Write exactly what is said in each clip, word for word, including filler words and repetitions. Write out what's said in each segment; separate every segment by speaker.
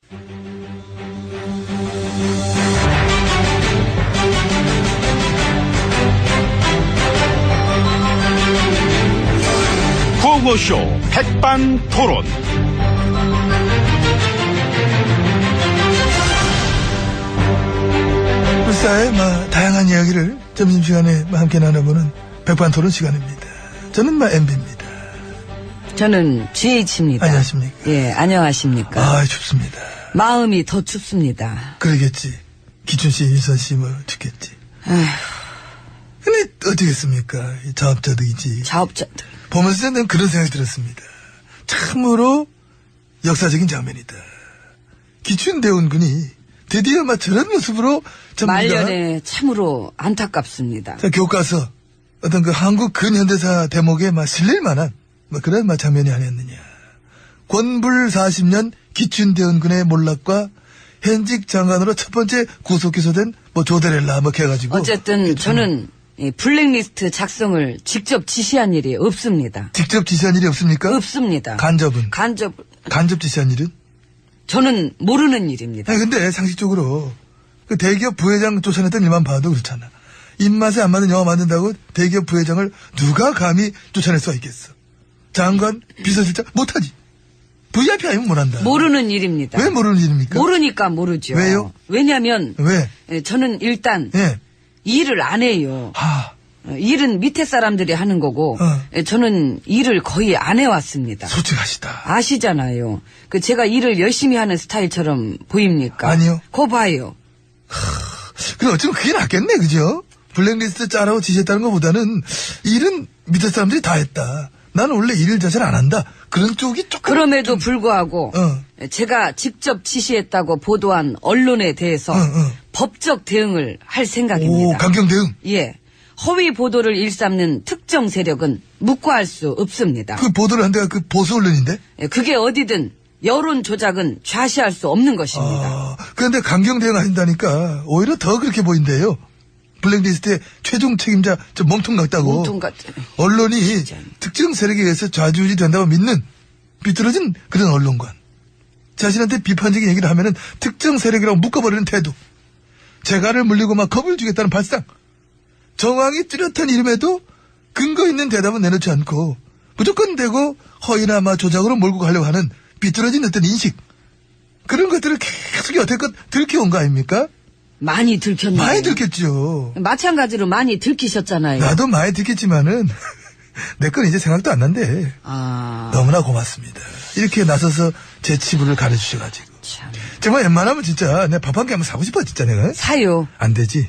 Speaker 1: 구호쇼 백반토론.
Speaker 2: 불사의 마, 다양한 이야기를 점심시간에 함께 나눠보는 백반토론 시간입니다. 저는 마 엠비입니다.
Speaker 3: 저는 지에이치입니다.
Speaker 2: 안녕하십니까.
Speaker 3: 예, 안녕하십니까.
Speaker 2: 아, 춥습니다.
Speaker 3: 마음이 더 춥습니다.
Speaker 2: 그러겠지. 기춘씨, 윤선씨 뭐 죽겠지.
Speaker 3: 아휴,
Speaker 2: 근데 어떻겠습니까? 이 자업자득이지.
Speaker 3: 자업자들.
Speaker 2: 보면서 저는 그런 생각이 들었습니다. 참으로 역사적인 장면이다. 기춘대원군이 드디어 막 저런 모습으로 전부가
Speaker 3: 말년에 참으로 안타깝습니다.
Speaker 2: 자, 교과서 어떤 그 한국 근현대사 대목에 막 실릴 만한 뭐 그런 막 장면이 아니었느냐. 권불 사십 년 기춘대원군의 몰락과 현직 장관으로 첫 번째 구속 기소된 뭐 조데렐라 뭐 해가지고
Speaker 3: 어쨌든 저는 이 블랙리스트 작성을 직접 지시한 일이 없습니다.
Speaker 2: 직접 지시한 일이 없습니까?
Speaker 3: 없습니다.
Speaker 2: 간접은
Speaker 3: 간접
Speaker 2: 간접 지시한 일은?
Speaker 3: 저는 모르는 일입니다.
Speaker 2: 아니 근데 상식적으로 그 대기업 부회장 쫓아냈던 일만 봐도 그렇잖아. 입맛에 안 맞는 영화 만든다고 대기업 부회장을 누가 감히 쫓아낼 수가 있겠어. 장관, 비서실장 못하지. 브이아이피 아니면 못한다.
Speaker 3: 모르는 일입니다.
Speaker 2: 왜 모르는 일입니까?
Speaker 3: 모르니까 모르죠.
Speaker 2: 왜요?
Speaker 3: 왜냐면
Speaker 2: 왜?
Speaker 3: 예, 저는 일단
Speaker 2: 예.
Speaker 3: 일을 안 해요.
Speaker 2: 하.
Speaker 3: 어, 일은 밑에 사람들이 하는 거고
Speaker 2: 어.
Speaker 3: 예, 저는 일을 거의 안 해왔습니다.
Speaker 2: 솔직하시다.
Speaker 3: 아시잖아요. 그 제가 일을 열심히 하는 스타일처럼 보입니까?
Speaker 2: 아니요.
Speaker 3: 거 봐요.
Speaker 2: 그래 어쩌면 그게 낫겠네, 그죠? 블랙리스트 짜라고 지시했다는 것보다는 일은 밑에 사람들이 다 했다. 나는 원래 일 자체를 안 한다. 그런 쪽이 조금.
Speaker 3: 그럼에도
Speaker 2: 좀...
Speaker 3: 불구하고
Speaker 2: 어.
Speaker 3: 제가 직접 지시했다고 보도한 언론에 대해서
Speaker 2: 어, 어.
Speaker 3: 법적 대응을 할
Speaker 2: 오,
Speaker 3: 생각입니다.
Speaker 2: 강경 대응.
Speaker 3: 예. 허위 보도를 일삼는 특정 세력은 묵과할 수 없습니다.
Speaker 2: 그 보도를 한 데가 그 보수 언론인데?
Speaker 3: 예, 그게 어디든 여론 조작은 좌시할 수 없는 것입니다.
Speaker 2: 아, 그런데 강경 대응 하신다니까 오히려 더 그렇게 보인대요. 블랙리스트의 최종 책임자 저 몸통 같다고.
Speaker 3: 몸통 같은.
Speaker 2: 언론이
Speaker 3: 진짜.
Speaker 2: 특정 세력에 의해서 좌지우지 된다고 믿는 비뚤어진 그런 언론관. 자신한테 비판적인 얘기를 하면은 특정 세력이라고 묶어버리는 태도. 재갈을 물리고 막 겁을 주겠다는 발상. 정황이 뚜렷한 이름에도 근거 있는 대답은 내놓지 않고 무조건 대고 허위나 막 조작으로 몰고 가려고 하는 비뚤어진 어떤 인식. 그런 것들을 계속 여태껏 들켜온 거 아닙니까?
Speaker 3: 많이 들켰네요.
Speaker 2: 많이 들켰죠.
Speaker 3: 마찬가지로 많이 들키셨잖아요.
Speaker 2: 나도 많이 들켰지만은 내 건 이제 생각도 안 난대.
Speaker 3: 아,
Speaker 2: 너무나 고맙습니다. 이렇게 나서서 제 치부를 가려주셔가지고.
Speaker 3: 참.
Speaker 2: 정말 웬만하면 진짜 내가 밥 한 개 한번 사고 싶어 진짜 내가.
Speaker 3: 사요.
Speaker 2: 안 되지.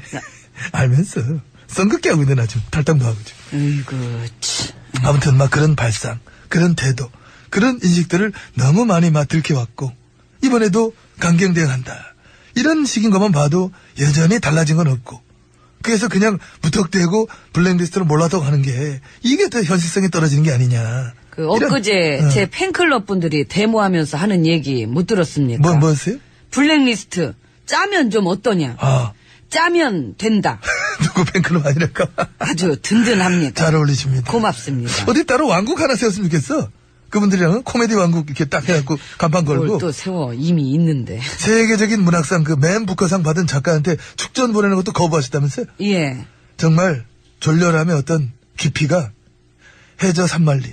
Speaker 2: 알면서 썬긋게 하고 있네 나 지금 탈당도 하고 지금.
Speaker 3: 으이구, 참.
Speaker 2: 아무튼 막 그런 발상, 그런 태도, 그런 인식들을 너무 많이 막 들켜왔고 이번에도 강경 대응한다. 이런 식인 것만 봐도 여전히 달라진 건 없고 그래서 그냥 무턱대고 블랙리스트로 몰랐다고 하는 게 이게 더 현실성이 떨어지는 게 아니냐.
Speaker 3: 그 엊그제
Speaker 2: 이런, 어.
Speaker 3: 제 팬클럽 분들이 데모하면서 하는 얘기 못 들었습니까?
Speaker 2: 뭐, 뭐였어요?
Speaker 3: 블랙리스트 짜면 좀 어떠냐?
Speaker 2: 아,
Speaker 3: 짜면 된다.
Speaker 2: 누구 팬클럽 아니랄까?
Speaker 3: 아주 든든합니다.
Speaker 2: 잘 어울리십니다.
Speaker 3: 고맙습니다.
Speaker 2: 어디 따로 왕국 하나 세웠으면 좋겠어. 그분들이랑은 코미디 왕국 이렇게 딱 해갖고 간판
Speaker 3: 뭘
Speaker 2: 걸고.
Speaker 3: 또 세워 이미 있는데.
Speaker 2: 세계적인 문학상 그 맨 부커상 받은 작가한테 축전 보내는 것도 거부하셨다면서요?
Speaker 3: 예.
Speaker 2: 정말 졸렬함의 어떤 깊이가 해저 산만리.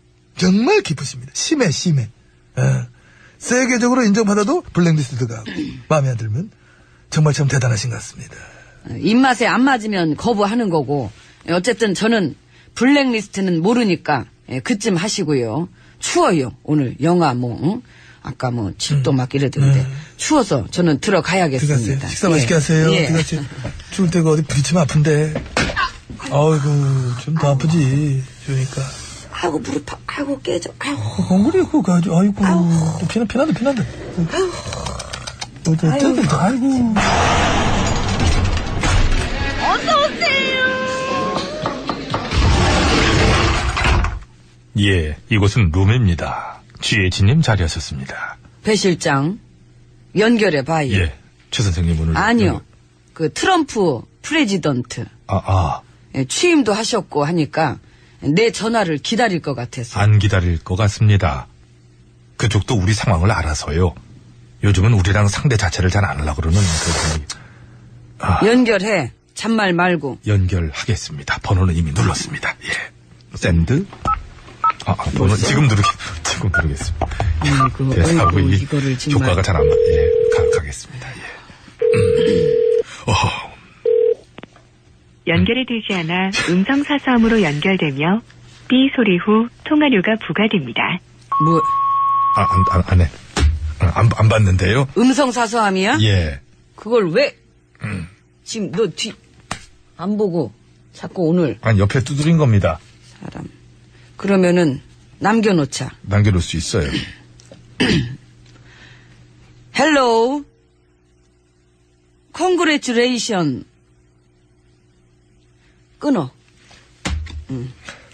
Speaker 2: 정말 깊으십니다. 심해, 심해. 예. 세계적으로 인정받아도 블랙리스트가 마음에 안 들면 정말 참 대단하신 것 같습니다.
Speaker 3: 입맛에 안 맞으면 거부하는 거고 어쨌든 저는 블랙리스트는 모르니까 예, 그쯤 하시고요. 추워요. 오늘 영하 뭐 응? 아까 뭐 칠도 막 이러던데
Speaker 2: 음.
Speaker 3: 추워서 저는 들어가야겠습니다.
Speaker 2: 들어가세요. 식사 맛있게
Speaker 3: 예.
Speaker 2: 하세요.
Speaker 3: 예.
Speaker 2: 들어가세요. 추울 때가 어디 부딪히면 아픈데. 아이고 좀 더 아프지. 그러니까.
Speaker 3: 아이고 무릎 아- 아이고 깨져. 아이고.
Speaker 2: 엉그리고 가지고 아이고 또 피나 피난다 피난다. 어째
Speaker 3: 아이고.
Speaker 2: 어째 아이고.
Speaker 1: 예, 이곳은 룸입니다. 지혜진님 자리하셨습니다.
Speaker 3: 배 실장 연결해 봐요.
Speaker 1: 예, 최 선생님 오늘.
Speaker 3: 아니요. 그 트럼프 프레지던트
Speaker 1: 아, 아,
Speaker 3: 예, 취임도 하셨고 하니까 내 전화를 기다릴 것 같아서.
Speaker 1: 안 기다릴 것 같습니다. 그쪽도 우리 상황을 알아서요. 요즘은 우리랑 상대 자체를 잘 안 하려고 그러는 그
Speaker 3: 연결해. 잔말 말고.
Speaker 1: 연결하겠습니다. 번호는 이미 눌렀습니다. 예. 샌드. 아, 아, 번호 지금 누르겠, 지금 누르겠습니다.
Speaker 3: 아이고,
Speaker 1: 대사하고
Speaker 3: 아이고,
Speaker 1: 이
Speaker 3: 이거를 정말.
Speaker 1: 효과가 잘 안 나. 예, 가, 가겠습니다. 예. 음. 어허.
Speaker 4: 연결이 되지 않아 음성사서음으로 연결되며 삐 소리 후 통화료가 부과됩니다.
Speaker 3: 뭐,
Speaker 1: 아, 안, 안, 안 해. 아, 안, 안 받는데요?
Speaker 3: 음성사서함이야?
Speaker 1: 예.
Speaker 3: 그걸 왜?
Speaker 1: 음.
Speaker 3: 지금 너 뒤, 안 보고 자꾸 오늘
Speaker 1: 아니, 옆에 두드린 겁니다.
Speaker 3: 사람. 그러면은 남겨놓자.
Speaker 1: 남겨놓을 수 있어요.
Speaker 3: 헬로우. 콩그레츄레이션. 끊어. 응.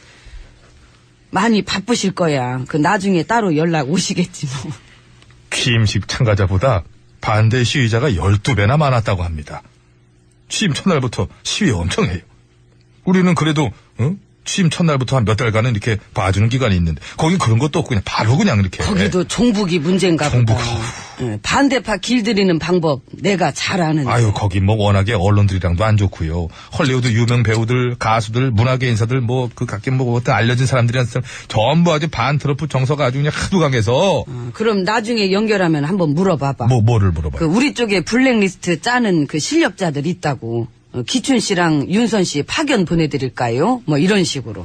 Speaker 3: 많이 바쁘실 거야. 그 나중에 따로 연락 오시겠지 뭐.
Speaker 1: 취임식 참가자보다 반대 시위자가 열두 배나 많았다고 합니다. 취임 첫날부터 시위 엄청 해요. 우리는 그래도 어? 취임 첫날부터 한 몇 달간은 이렇게 봐주는 기간이 있는데 거긴 그런 것도 없고 그냥 바로 그냥 이렇게.
Speaker 3: 거기도 종북이 문제인가
Speaker 1: 종북,
Speaker 3: 보다.
Speaker 1: 아우.
Speaker 3: 응, 반대파 길들이는 방법 내가 잘 아는데.
Speaker 1: 아유 거기 뭐 워낙에 언론들이랑도 안 좋고요. 헐리우드 유명 배우들, 가수들, 문화계 인사들 뭐 그 각계 뭐 어떤 알려진 사람들이랑 전부 아주 반 트럼프 정서가 아주 그냥 하도 강해서.
Speaker 3: 어, 그럼 나중에 연결하면 한번 물어봐봐.
Speaker 1: 뭐 뭐를 물어봐요?
Speaker 3: 그 우리 쪽에 블랙리스트 짜는 그 실력자들 있다고. 어, 기춘 씨랑 윤선 씨 파견 보내드릴까요? 뭐 이런 식으로.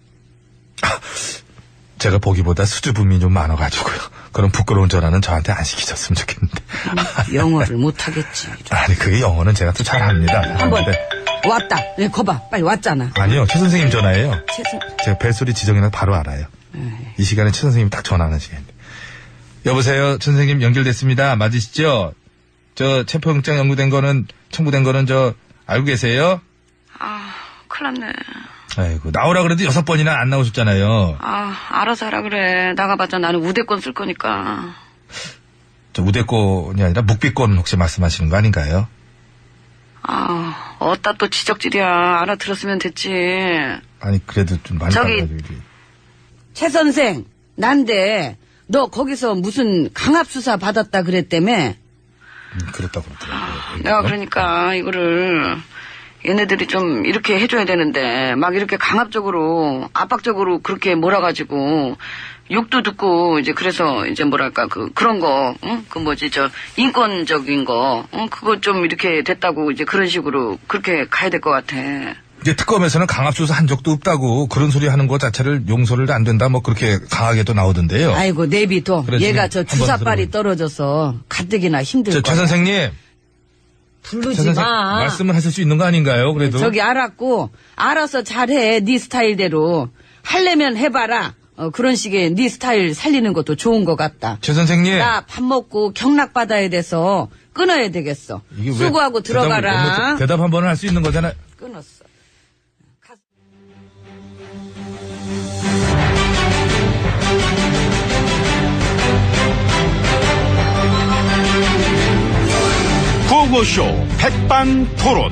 Speaker 1: 제가 보기보다 수줍음이 좀 많아가지고요. 그런 부끄러운 전화는 저한테 안 시키셨으면 좋겠는데.
Speaker 3: 영어를 못하겠지.
Speaker 1: 아니 그게 영어는 제가 또 잘합니다.
Speaker 3: 한번
Speaker 1: 근데
Speaker 3: 왔다. 네, 거봐. 빨리 왔잖아.
Speaker 1: 아니요 최 선생님 전화예요.
Speaker 3: 최선.
Speaker 1: 제가 벨소리 지정이나 바로 알아요. 이 시간에 최 선생님 딱 전화하는 시간인데. 여보세요, 최 선생님 연결됐습니다. 맞으시죠? 저 체포영장 연구된 거는 청구된 거는 저 알고 계세요?
Speaker 3: 아, 큰일 났네.
Speaker 1: 아이고 나오라 그래도 여섯 번이나 안 나오셨잖아요.
Speaker 3: 아, 알아서 하라 그래. 나가봤자 나는 우대권 쓸 거니까.
Speaker 1: 저 우대권이 아니라 묵비권 혹시 말씀하시는 거 아닌가요?
Speaker 3: 아, 어따 또 지적질이야. 알아들었으면 됐지.
Speaker 1: 아니 그래도 좀 많이
Speaker 3: 저기-
Speaker 1: 달라지고.
Speaker 3: 최 선생, 난데 너 거기서 무슨 강압수사 받았다 그랬다며?
Speaker 1: 음, 그랬다고 그러더라고요.
Speaker 3: 내가 그러니까 이거를 얘네들이 좀 이렇게 해줘야 되는데 막 이렇게 강압적으로 압박적으로 그렇게 몰아가지고 욕도 듣고 이제 그래서 이제 뭐랄까 그 그런 거, 응? 그 뭐지 저 인권적인 거, 응? 그거 좀 이렇게 됐다고 이제 그런 식으로 그렇게 가야 될 것 같아.
Speaker 1: 이게 특검에서는 강압수사 한 적도 없다고 그런 소리 하는 것 자체를 용서를 안 된다 뭐 그렇게 강하게 또 나오던데요.
Speaker 3: 아이고 내비둬.
Speaker 1: 그래,
Speaker 3: 얘가
Speaker 1: 지금
Speaker 3: 저
Speaker 1: 한번
Speaker 3: 주사빨이
Speaker 1: 들어보니.
Speaker 3: 떨어져서 가뜩이나 힘들
Speaker 1: 저,
Speaker 3: 거야.
Speaker 1: 최 선생님, 최
Speaker 3: 부르지
Speaker 1: 선생
Speaker 3: 마.
Speaker 1: 말씀을 하실 수 있는 거 아닌가요? 그래도
Speaker 3: 저기 알았고 알아서 잘해. 네 스타일대로 하려면 해봐라. 어, 그런 식의 네 스타일 살리는 것도 좋은 것 같다.
Speaker 1: 최 선생님.
Speaker 3: 나 밥 먹고 경락 받아야 돼서 끊어야 되겠어.
Speaker 1: 이게 왜
Speaker 3: 수고하고
Speaker 1: 대답을
Speaker 3: 들어가라.
Speaker 1: 못- 대답 한 번은 할 수 있는 거잖아요.
Speaker 3: 끊었어. 가-
Speaker 1: 구호쇼 백반토론.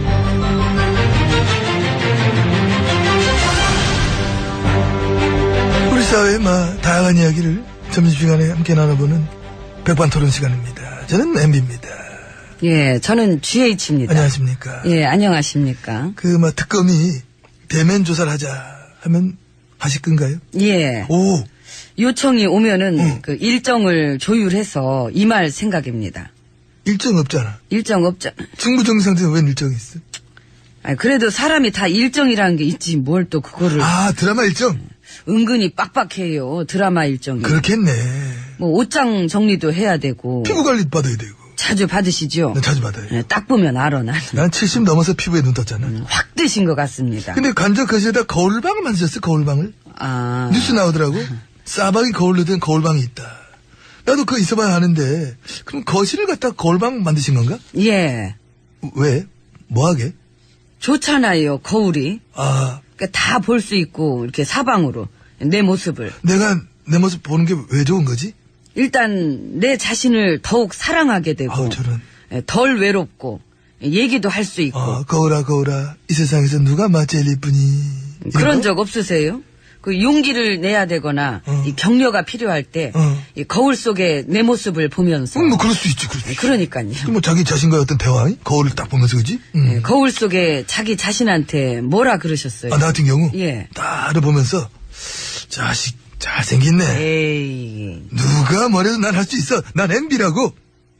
Speaker 2: 우리 사회의 막 다양한 이야기를 점심시간에 함께 나눠보는 백반토론 시간입니다. 저는 엠비입니다.
Speaker 3: 예, 저는 지에이치입니다.
Speaker 2: 안녕하십니까.
Speaker 3: 예, 안녕하십니까.
Speaker 2: 그 막 특검이 대면 조사를 하자 하면 하실 건가요?
Speaker 3: 예,
Speaker 2: 오,
Speaker 3: 요청이 오면은
Speaker 2: 응.
Speaker 3: 그 일정을 조율해서 임할 생각입니다.
Speaker 2: 일정 없잖아.
Speaker 3: 일정 없자.
Speaker 2: 승부정지 상태에 웬 일정이 있어?
Speaker 3: 아, 그래도 사람이 다 일정이라는 게 있지 뭘 또 그거를
Speaker 2: 아, 드라마 일정?
Speaker 3: 은근히 빡빡해요. 드라마 일정이.
Speaker 2: 그렇겠네.
Speaker 3: 뭐 옷장 정리도 해야 되고
Speaker 2: 피부 관리 받아야 되고.
Speaker 3: 자주 받으시죠?
Speaker 2: 난 자주 받아요.
Speaker 3: 예, 딱 보면 알아 나는.
Speaker 2: 난 칠십 넘어서 피부에 눈 떴잖아.
Speaker 3: 확 드신 것 같습니다.
Speaker 2: 근데 간접 거실에다 거울방을 만드셨어, 거울방을.
Speaker 3: 아,
Speaker 2: 뉴스 나오더라고. 싸방이 거울로 된 거울방이 있다. 나도 그거 있어봐야 하는데, 그럼 거실을 갖다 거울방 만드신 건가?
Speaker 3: 예,
Speaker 2: 왜? 뭐하게?
Speaker 3: 좋잖아요 거울이.
Speaker 2: 아,
Speaker 3: 다 볼 수 있고 이렇게 사방으로 내 모습을.
Speaker 2: 내가 내 모습 보는 게 왜 좋은 거지?
Speaker 3: 일단 내 자신을 더욱 사랑하게 되고
Speaker 2: 아우, 저런.
Speaker 3: 예, 덜 외롭고 얘기도 할 수 있고.
Speaker 2: 아, 거울아, 거울아. 이 세상에서 누가 마 제일 이쁘니? 이런
Speaker 3: 그런
Speaker 2: 거?
Speaker 3: 적 없으세요? 그 용기를 내야 되거나
Speaker 2: 어.
Speaker 3: 이 격려가 필요할 때
Speaker 2: 어.
Speaker 3: 이 거울 속에 내 모습을 보면서.
Speaker 2: 음, 뭐 그럴 수 있지, 그럴 수 있지.
Speaker 3: 그러니까요.
Speaker 2: 뭐 자기 자신과의 어떤 대화, 거울을 딱 보면서 그지? 음.
Speaker 3: 예, 거울 속에 자기 자신한테 뭐라 그러셨어요?
Speaker 2: 아, 나 같은 경우
Speaker 3: 예.
Speaker 2: 나를 보면서 자식 잘생겼네.
Speaker 3: 에이.
Speaker 2: 누가 뭐래도 난 할 수 있어. 난 엠비라고.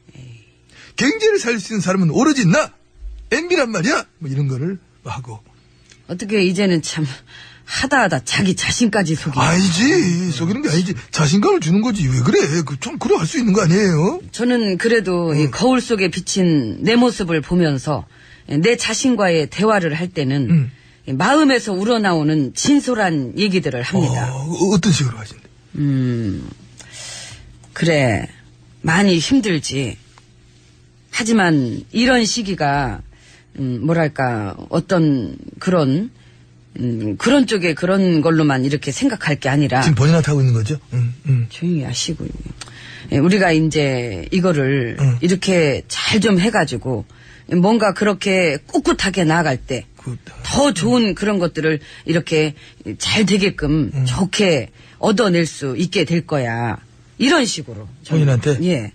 Speaker 2: 경제를 살릴 수 있는 사람은 오로지 나. 엠비란 말이야. 뭐 이런 거를 하고.
Speaker 3: 어떻게 이제는 참 하다 하다 자기 자신까지 속이.
Speaker 2: 아니지. 속이는 게 아니지. 자신감을 주는 거지. 왜 그래? 그 좀 그래 할 수 있는 거 아니에요?
Speaker 3: 저는 그래도 이 거울 속에 비친 내 모습을 보면서 내 자신과의 대화를 할 때는
Speaker 2: 음.
Speaker 3: 이 마음에서 우러나오는 진솔한 얘기들을 합니다.
Speaker 2: 어, 어떤 식으로 하신대?
Speaker 3: 음, 그래, 많이 힘들지. 하지만 이런 시기가, 음, 뭐랄까, 어떤 그런, 음, 그런 쪽에 그런 걸로만 이렇게 생각할 게 아니라.
Speaker 2: 지금 본인한테 하고 있는 거죠? 음, 음.
Speaker 3: 조용히 하시고요. 예, 우리가 이제 이거를
Speaker 2: 응.
Speaker 3: 이렇게 잘 좀 해가지고 뭔가 그렇게 꿋꿋하게 나아갈 때
Speaker 2: 그,
Speaker 3: 더 좋은 그런 것들을 이렇게 잘 되게끔 좋게 얻어낼 수 있게 될 거야. 이런 식으로. 저는.
Speaker 2: 본인한테?
Speaker 3: 예.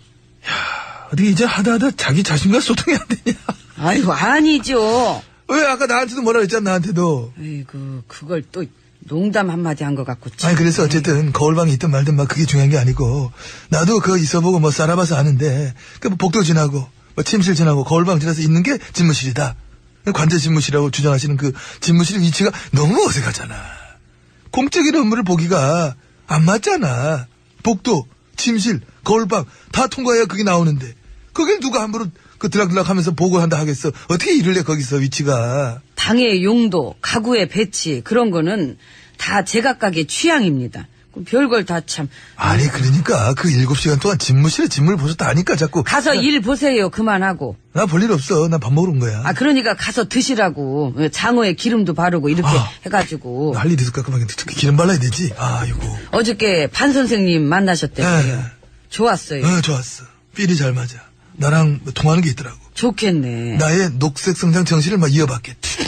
Speaker 2: 어떻게 이제 하다 하다 자기 자신과 소통이 안 되냐?
Speaker 3: 아이고, 아니죠.
Speaker 2: 왜 아까 나한테도 뭐라 그랬잖아, 나한테도.
Speaker 3: 아이고, 그걸 또 농담 한마디 한 것 같고. 참.
Speaker 2: 아니, 그래서 어쨌든 거울방에 있든 말든 막 그게 중요한 게 아니고, 나도 그거 있어보고 뭐 살아봐서 아는데, 그 뭐 복도 지나고, 뭐 침실 지나고, 거울방 지나서 있는 게 집무실이다. 관제 집무실이라고 주장하시는 그 집무실 위치가 너무 어색하잖아. 공적인 업무를 보기가 안 맞잖아. 복도, 침실, 거울방 다 통과해야 그게 나오는데, 거길 누가 함부로 그 들락들락 하면서 보고 한다 하겠어. 어떻게 일을 해, 거기서 위치가.
Speaker 3: 방의 용도, 가구의 배치, 그런 거는 다 제각각의 취향입니다. 그 별걸 다 참.
Speaker 2: 아니, 그러니까 그 일곱 시간 동안 집무실에 집무를 보셨다 하니까 자꾸.
Speaker 3: 가서 일 보세요. 그만하고.
Speaker 2: 나 볼 일 없어. 나 밥 먹으러 온 거야.
Speaker 3: 아, 그러니까 가서 드시라고. 장어에 기름도 바르고 이렇게
Speaker 2: 아.
Speaker 3: 해가지고.
Speaker 2: 할 일이 있을까? 그만 기름 발라야 되지. 아이고.
Speaker 3: 어저께 반 선생님 만나셨대요.
Speaker 2: 네.
Speaker 3: 좋았어요.
Speaker 2: 어, 좋았어. 필이 잘 맞아. 나랑 뭐 통하는 게 있더라고.
Speaker 3: 좋겠네.
Speaker 2: 나의 녹색 성장 정신을 막 이어받겠지.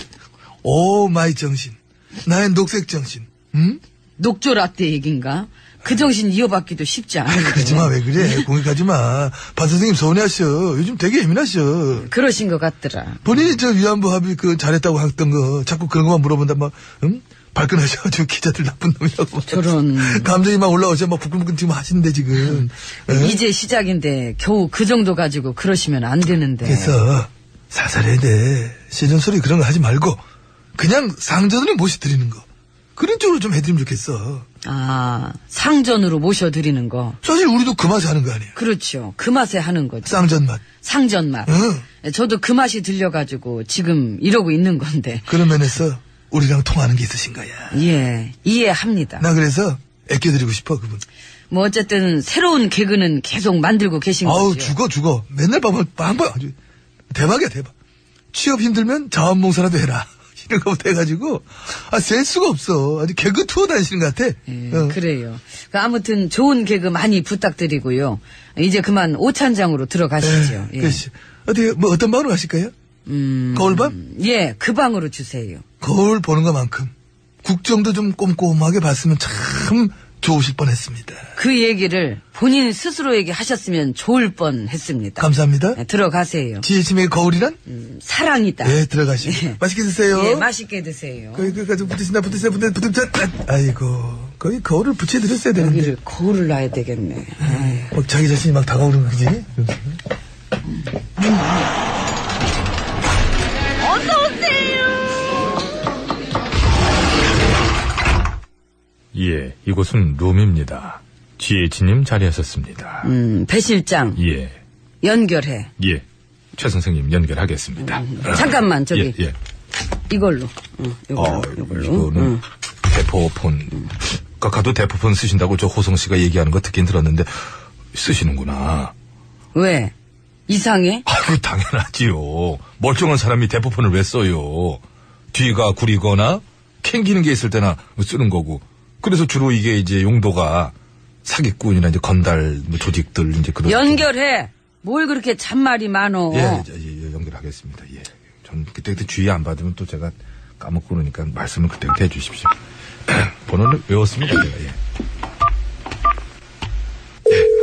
Speaker 2: 오 마이 정신. 나의 녹색 정신. 응?
Speaker 3: 녹조 라떼 얘긴가? 그 정신 이어받기도 쉽지 않은데.
Speaker 2: 그러지 마, 왜 그래. 공격하지 마. 반 선생님 서운해하셔. 요즘 되게 예민하셔.
Speaker 3: 그러신 것 같더라.
Speaker 2: 본인이 저 위안부 합의 그 잘했다고 했던 거 자꾸 그런 것만 물어본다 막 응? 발끈하셔가지고 기자들 나쁜 놈이라고.
Speaker 3: 저런.
Speaker 2: 감정이 막 올라오셔 막 부끈부끈 지금 하시는데 지금. 에?
Speaker 3: 이제 시작인데 겨우 그 정도 가지고 그러시면 안 되는데.
Speaker 2: 그래서 살살해야 돼. 시즌 소리 그런 거 하지 말고 그냥 상전으로 모셔드리는 거. 그런 쪽으로 좀 해드리면 좋겠어.
Speaker 3: 아, 상전으로 모셔드리는 거.
Speaker 2: 사실 우리도 그 맛에 하는 거 아니에요.
Speaker 3: 그렇죠. 그 맛에 하는 거죠.
Speaker 2: 쌍전 맛.
Speaker 3: 상전 맛.
Speaker 2: 응.
Speaker 3: 저도 그 맛이 들려가지고 지금 이러고 있는 건데.
Speaker 2: 그런 면에서 우리랑 통하는 게 있으신 거야.
Speaker 3: 예, 이해합니다.
Speaker 2: 나 그래서 애껴드리고 싶어 그분.
Speaker 3: 뭐 어쨌든 새로운 개그는 계속 만들고 계신
Speaker 2: 아우
Speaker 3: 거죠.
Speaker 2: 죽어 죽어. 맨날 밤을 빵빵 아주 대박이야 대박. 취업 힘들면 자원봉사라도 해라. 이런 거부터 해가지고 아 셀 수가 없어. 아주 개그 투어 다니시는 것 같아.
Speaker 3: 예,
Speaker 2: 어.
Speaker 3: 그래요. 그 아무튼 좋은 개그 많이 부탁드리고요. 이제 그만 오찬장으로 들어가시죠.
Speaker 2: 예,
Speaker 3: 예.
Speaker 2: 그렇지. 어떻게 뭐 어떤 방으로 하실까요?
Speaker 3: 음,
Speaker 2: 거울밤?
Speaker 3: 예, 그 방으로 주세요.
Speaker 2: 거울 보는 것만큼 국정도 좀 꼼꼼하게 봤으면 참 좋으실 뻔했습니다.
Speaker 3: 그 얘기를 본인 스스로에게 하셨으면 좋을 뻔했습니다.
Speaker 2: 감사합니다.
Speaker 3: 예, 들어가세요.
Speaker 2: 지혜심의 거울이란?
Speaker 3: 음, 사랑이다.
Speaker 2: 예, 들어가시고.
Speaker 3: 예.
Speaker 2: 맛있게 드세요.
Speaker 3: 예, 맛있게 드세요.
Speaker 2: 거기, 거기까지 붙으신다, 붙으세요, 붙으세요, 붙으세요. 아이고, 거기 거울을 붙여드렸어야 되는데.
Speaker 3: 여기를 거울을 놔야 되겠네. 아유.
Speaker 2: 막 자기 자신이 막 다가오는 거지?
Speaker 1: 예, 이곳은 룸입니다. 지혜진님 자리하셨습니다.
Speaker 3: 음, 배 실장
Speaker 1: 예,
Speaker 3: 연결해.
Speaker 1: 예. 최 선생님 연결하겠습니다.
Speaker 3: 잠깐만 저기
Speaker 1: 예, 예.
Speaker 3: 이걸로. 응, 이걸로.
Speaker 1: 어,
Speaker 3: 이걸로.
Speaker 1: 이거는
Speaker 3: 응.
Speaker 1: 대포폰. 각하도 대포폰 쓰신다고 저 호성 씨가 얘기하는 거 듣긴 들었는데 쓰시는구나.
Speaker 3: 왜? 이상해?
Speaker 1: 아이고 당연하지요. 멀쩡한 사람이 대포폰을 왜 써요? 뒤가 구리거나 캥기는 게 있을 때나 쓰는 거고. 그래서 주로 이게 이제 용도가 사기꾼이나 이제 건달 뭐 조직들 이제 그런.
Speaker 3: 연결해. 뭘 그렇게 잔말이 많어.
Speaker 1: 예, 예, 예, 연결하겠습니다. 예. 전 그때그때 주의 안 받으면 또 제가 까먹고 그러니까 말씀을 그때그때 해주십시오. 번호는 외웠습니다, 제가. 예. 예.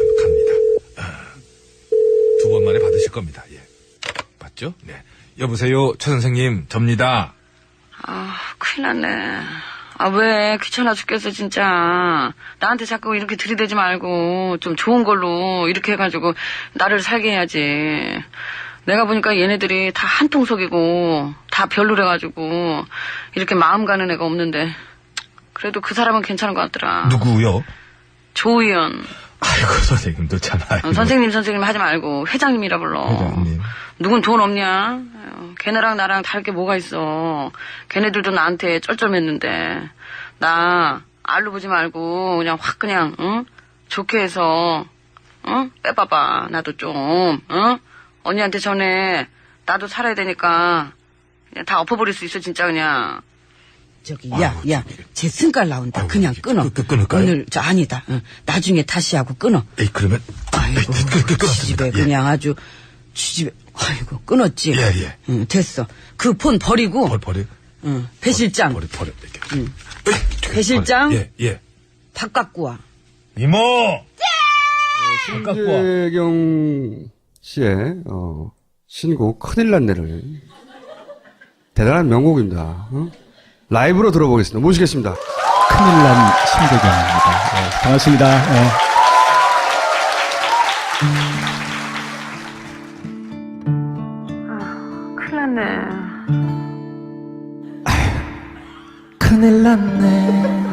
Speaker 1: 겁니다. 예. 맞죠? 네. 여보세요, 최 선생님, 접니다.
Speaker 3: 아, 큰일 났네. 아, 왜? 귀찮아 죽겠어, 진짜. 나한테 자꾸 이렇게 들이대지 말고, 좀 좋은 걸로, 이렇게 해가지고, 나를 살게 해야지. 내가 보니까 얘네들이 다 한통속이고, 다 별로래가지고, 이렇게 마음 가는 애가 없는데. 그래도 그 사람은 괜찮은 것 같더라.
Speaker 1: 누구요?
Speaker 3: 조의연.
Speaker 1: 아이고, 선생님도 참. 아이고.
Speaker 3: 어, 선생님, 선생님 하지 말고, 회장님이라 불러.
Speaker 1: 회장님.
Speaker 3: 누군 돈 없냐? 아유, 걔네랑 나랑 다를 게 뭐가 있어. 걔네들도 나한테 쩔쩔맸는데. 나, 알로 보지 말고, 그냥 확 그냥, 응? 좋게 해서, 응? 빼봐봐. 나도 좀, 응? 언니한테 전에, 나도 살아야 되니까, 그냥 다 엎어버릴 수 있어, 진짜 그냥. 저기, 야,
Speaker 1: 아유,
Speaker 3: 야, 제 승깔 나온다.
Speaker 1: 아유,
Speaker 3: 그냥
Speaker 1: 이게
Speaker 3: 끊어.
Speaker 1: 끊- 끊- 끊을까요?
Speaker 3: 오늘, 저, 아니다. 응. 나중에 다시 하고 끊어.
Speaker 1: 에이, 그러면.
Speaker 3: 아이고,
Speaker 1: 에이, 끊- 끊- 끊었습니다.
Speaker 3: 집에
Speaker 1: 예.
Speaker 3: 그냥 아주, 집에, 아이고, 끊었지.
Speaker 1: 예, 예.
Speaker 3: 응, 됐어. 그 폰 버리고,
Speaker 1: 벌, 버려.
Speaker 3: 응, 배 실장,
Speaker 1: 버려, 버려. 이렇게.
Speaker 3: 응.
Speaker 1: 에이,
Speaker 3: 배 실장?
Speaker 1: 버려. 예, 예.
Speaker 3: 밥 갖고 와.
Speaker 1: 이모!
Speaker 5: 신재경 씨의 어, 신곡 큰일 났네를 대단한 명곡입니다. 어? 라이브로 들어보겠습니다. 모시겠습니다.
Speaker 6: 큰일 난 신대경입니다. 네, 반갑습니다. 네.
Speaker 3: 큰일 났네.
Speaker 6: 큰일 났네.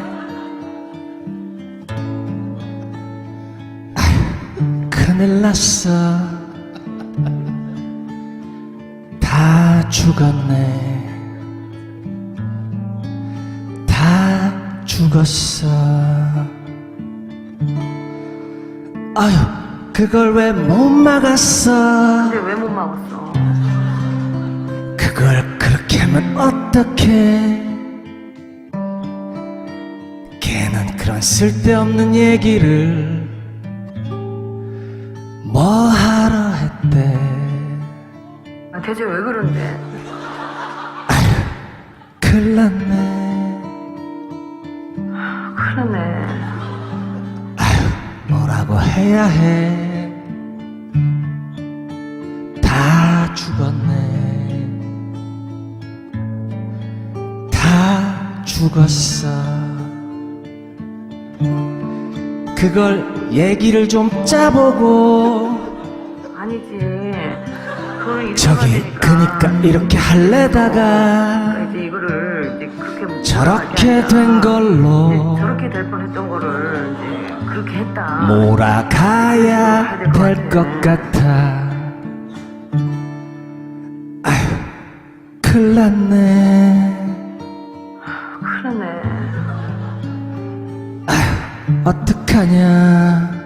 Speaker 6: 아휴, 큰일 났어. 다 죽었네. 다 죽었어. 아유, 그걸 왜 못 막았어?
Speaker 3: 근데 왜 못 막았어?
Speaker 6: 그걸 그렇게 하면 어떡해? 걔는 그런 쓸데없는 얘기를 뭐 하러 했대?
Speaker 3: 아, 대체 왜 그런데?
Speaker 6: 큰일 났네.
Speaker 3: 큰일 났네.
Speaker 6: 뭐라고 해야 해? 다 죽었네. 다 죽었어. 그걸 얘기를 좀 짜보고.
Speaker 3: 아니지. 그거는 이렇게
Speaker 6: 저기
Speaker 3: 해야 되니까.
Speaker 6: 그니까 이렇게 할래다가
Speaker 3: 이제 이거를 이제 그렇게
Speaker 6: 저렇게
Speaker 3: 하지
Speaker 6: 된
Speaker 3: 않냐.
Speaker 6: 걸로
Speaker 3: 이제 저렇게 될 뻔했던 거를 이제 그렇게 했다.
Speaker 6: 몰아가야 될 것 같아. 아휴, 큰일 났네.
Speaker 3: 큰일 났네.
Speaker 6: 어떡하냐.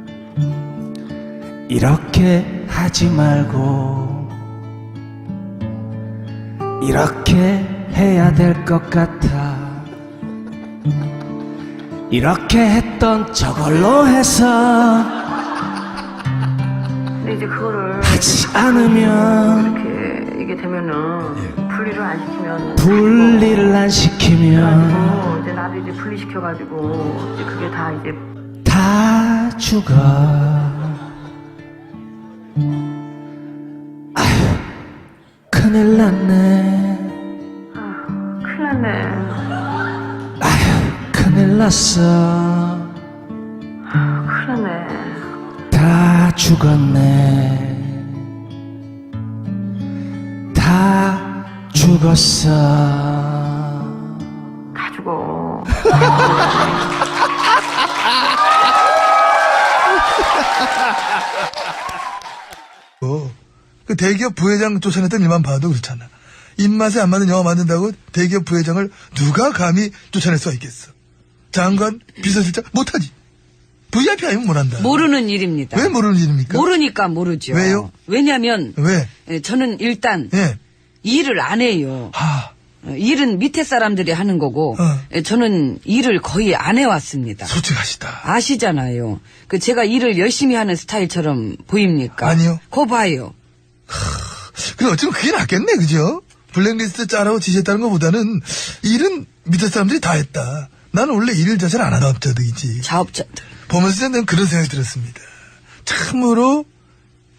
Speaker 6: 이렇게 하지 말고 이렇게 해야 될 것 같아. 이렇게 했던 저걸로 해서
Speaker 3: 근데 이제 그거를
Speaker 6: 하지 않으면
Speaker 3: 이렇게 이게 되면은 분리를 안 시키면
Speaker 6: 분리를 안 시키면
Speaker 3: 그래가지고 이제 나도 이제 분리시켜가지고 이제 그게 다 이제
Speaker 6: 다 죽어. 아휴, 큰일 났네.
Speaker 3: 큰일 났네.
Speaker 6: 큰일 났어.
Speaker 3: 큰일 났네.
Speaker 6: 다 죽었네. 다 죽었어.
Speaker 3: 다 죽어.
Speaker 2: 어, 그 대기업 부회장 쫓아냈던 일만 봐도 그렇잖아. 입맛에 안 맞는 영화 만든다고 대기업 부회장을 누가 감히 쫓아낼 수가 있겠어. 장관, 비서실장 못하지. 브이아이피 아니면 못한다.
Speaker 3: 모르는 일입니다.
Speaker 2: 왜 모르는 일입니까?
Speaker 3: 모르니까 모르죠.
Speaker 2: 왜요?
Speaker 3: 왜냐면
Speaker 2: 왜?
Speaker 3: 예, 저는 일단
Speaker 2: 예.
Speaker 3: 일을 안 해요.
Speaker 2: 하,
Speaker 3: 어, 일은 밑에 사람들이 하는 거고
Speaker 2: 어.
Speaker 3: 예, 저는 일을 거의 안 해왔습니다.
Speaker 2: 솔직하시다.
Speaker 3: 아시잖아요. 그 제가 일을 열심히 하는 스타일처럼 보입니까?
Speaker 2: 아니요.
Speaker 3: 거 봐요.
Speaker 2: 그래, 어쩌면 그게 낫겠네, 그죠? 블랙리스트 짜라고 지시했다는 것보다는 일은 밑에 사람들이 다 했다. 나는 원래 일 자체를 안 하던 업자들이지.
Speaker 3: 자업자들.
Speaker 2: 보면서 저는 그런 생각이 들었습니다. 참으로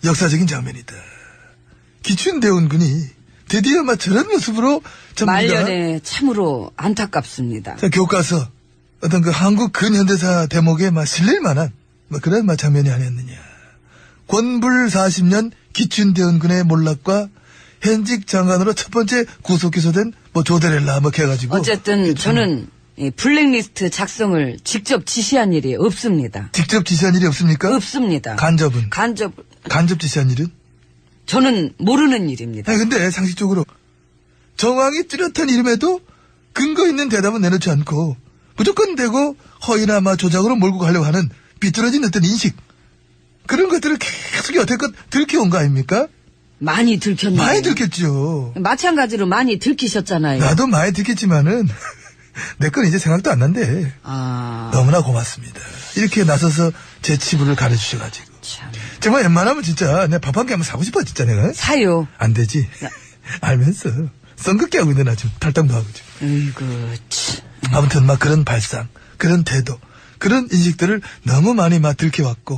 Speaker 2: 역사적인 장면이다. 기춘대원군이 드디어 막 저런 모습으로 전부 다
Speaker 3: 말년에 참으로 안타깝습니다.
Speaker 2: 자, 교과서 어떤 그 한국 근현대사 대목에 막 실릴 만한 뭐 그런 막 장면이 아니었느냐. 권불 사십 년 기춘대원군의 몰락과 현직 장관으로 첫 번째 구속 기소된 뭐 조데렐라 뭐 해가지고
Speaker 3: 어쨌든 저는 이 블랙리스트 작성을 직접 지시한 일이 없습니다.
Speaker 2: 직접 지시한 일이 없습니까?
Speaker 3: 없습니다.
Speaker 2: 간접은
Speaker 3: 간접
Speaker 2: 간접 지시한 일은?
Speaker 3: 저는 모르는 일입니다.
Speaker 2: 아니 근데 상식적으로 정황이 뚜렷한 이름에도 근거 있는 대답은 내놓지 않고 무조건 대고 허위나 마 조작으로 몰고 가려고 하는 삐뚤어진 어떤 인식 그런 것들을 계속 여태껏 들켜온 거 아닙니까?
Speaker 3: 많이 들켰네요.
Speaker 2: 많이 들켰죠.
Speaker 3: 마찬가지로 많이 들키셨잖아요.
Speaker 2: 나도 많이 들켰지만은 내 건 이제 생각도 안 난대.
Speaker 3: 아,
Speaker 2: 너무나 고맙습니다. 이렇게 나서서 제 치부를 가르치셔가지고
Speaker 3: 참.
Speaker 2: 정말 웬만하면 진짜 내 밥 한 개 한번 사고 싶어 진짜 내가.
Speaker 3: 사요.
Speaker 2: 안 되지. 알면서 썬긋게 하고 있는 나 지금 탈당도 하고 지금.
Speaker 3: 으이구, 참.
Speaker 2: 아무튼 막 그런 발상, 그런 태도, 그런 인식들을 너무 많이 막 들켜왔고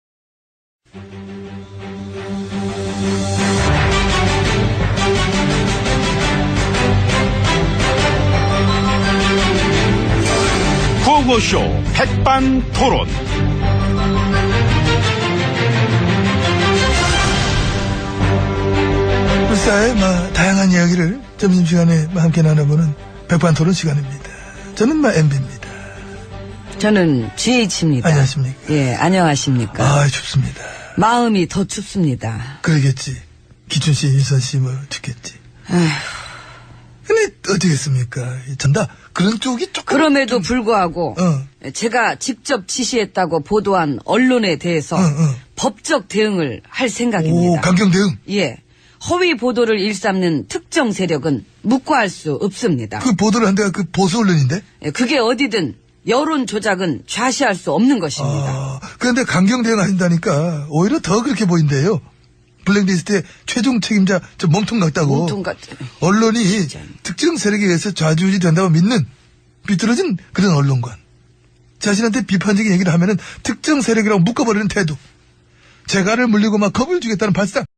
Speaker 7: 구호쇼 백반토론.
Speaker 2: 불사의 막 다양한 이야기를 점심시간에 막 함께 나눠보는 백반토론 시간입니다. 저는 막 엠비입니다.
Speaker 3: 저는 지에이치입니다.
Speaker 2: 안녕하십니까.
Speaker 3: 예, 안녕하십니까.
Speaker 2: 아 춥습니다.
Speaker 3: 마음이 더 춥습니다.
Speaker 2: 그러겠지. 기춘씨, 일선씨 뭐 춥겠지.
Speaker 3: 아휴,
Speaker 2: 근데 어떻겠습니까? 전다 그런 쪽이 조금
Speaker 3: 그럼에도 불구하고
Speaker 2: 어.
Speaker 3: 제가 직접 지시했다고 보도한 언론에 대해서
Speaker 2: 어, 어.
Speaker 3: 법적 대응을 할
Speaker 2: 오
Speaker 3: 생각입니다.
Speaker 2: 강경 대응.
Speaker 3: 예. 허위 보도를 일삼는 특정 세력은 묵과할 수 없습니다.
Speaker 2: 그 보도를 한 데가 그 보수 언론인데.
Speaker 3: 예, 그게 어디든 여론 조작은 좌시할 수 없는 것입니다.
Speaker 2: 아, 그런데 강경 대응하신다니까 오히려 더 그렇게 보인대요. 블랙리스트의 최종 책임자 저 몸통 같다고.
Speaker 3: 몸통 같은.
Speaker 2: 언론이
Speaker 3: 진짜.
Speaker 2: 특정 세력에 의해서 좌지우지 된다고 믿는 비뚤어진 그런 언론관. 자신한테 비판적인 얘기를 하면은 특정 세력이라고 묶어버리는 태도. 재갈을 물리고 막 겁을 주겠다는 발상.